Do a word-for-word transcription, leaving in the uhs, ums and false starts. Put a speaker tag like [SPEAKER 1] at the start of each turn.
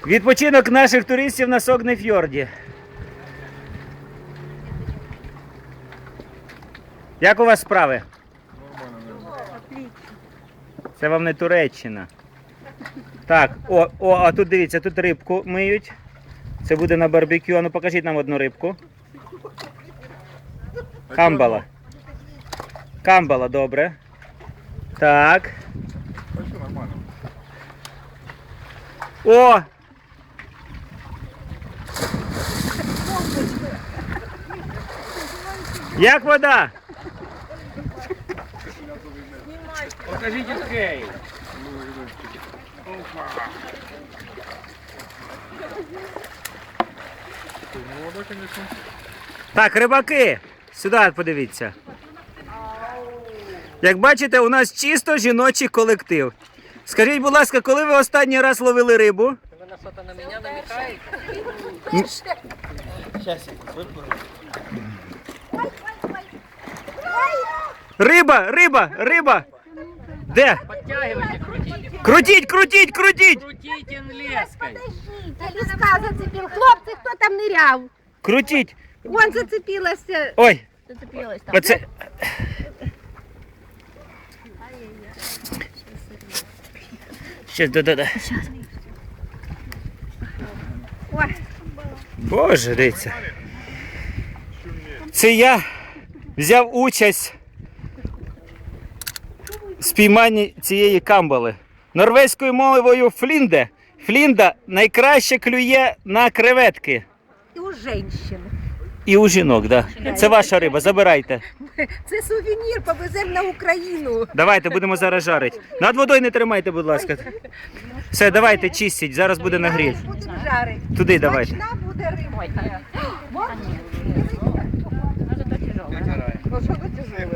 [SPEAKER 1] Відпочинок наших туристів на Согнефьорді. Як у вас справи? Це вам не Туреччина. Так, о, о, а тут дивіться, тут рибку миють. Це буде на барбекю. А ну покажіть нам одну рибку. Камбала. Камбала, добре. Так. О! Як вода?
[SPEAKER 2] Покажіть окей.
[SPEAKER 1] Так, рибаки, сюди подивіться. Як бачите, у нас чисто жіночий колектив. Скажіть, будь ласка, коли ви останній раз ловили рибу?
[SPEAKER 2] Ви на що-то на мене намікаєте?
[SPEAKER 1] Риба, риба, риба! Де?
[SPEAKER 2] Подтягивайте, крутіть.
[SPEAKER 1] Крутіть, крутіть, крутіть!
[SPEAKER 2] Крутіть леской.
[SPEAKER 3] Ліска зацепив. Хлопці, хто там ниряв?
[SPEAKER 1] Крутіть!
[SPEAKER 3] Вон зацепилася.
[SPEAKER 1] Ой!
[SPEAKER 3] Зацепилась там.
[SPEAKER 1] Оце... Щас, да-да-да.
[SPEAKER 3] Ой.
[SPEAKER 1] Боже, дивіться. Це я взяв участь в спійманні цієї камбали. Норвезькою мовою флінде. Флінда найкраще клює на креветки.
[SPEAKER 3] І у жінчин.
[SPEAKER 1] І у жінок, так. Да. Це ваша риба, забирайте.
[SPEAKER 3] Це сувенір, повеземо на Україну.
[SPEAKER 1] Давайте, будемо зараз жарити. Над водою не тримайте, будь ласка. Все, давайте, чистіть, зараз буде нагрів.
[SPEAKER 3] Будемо жарити.
[SPEAKER 1] Туди давайте.
[SPEAKER 3] Смачна буде риба. Ось що ви тяжеле.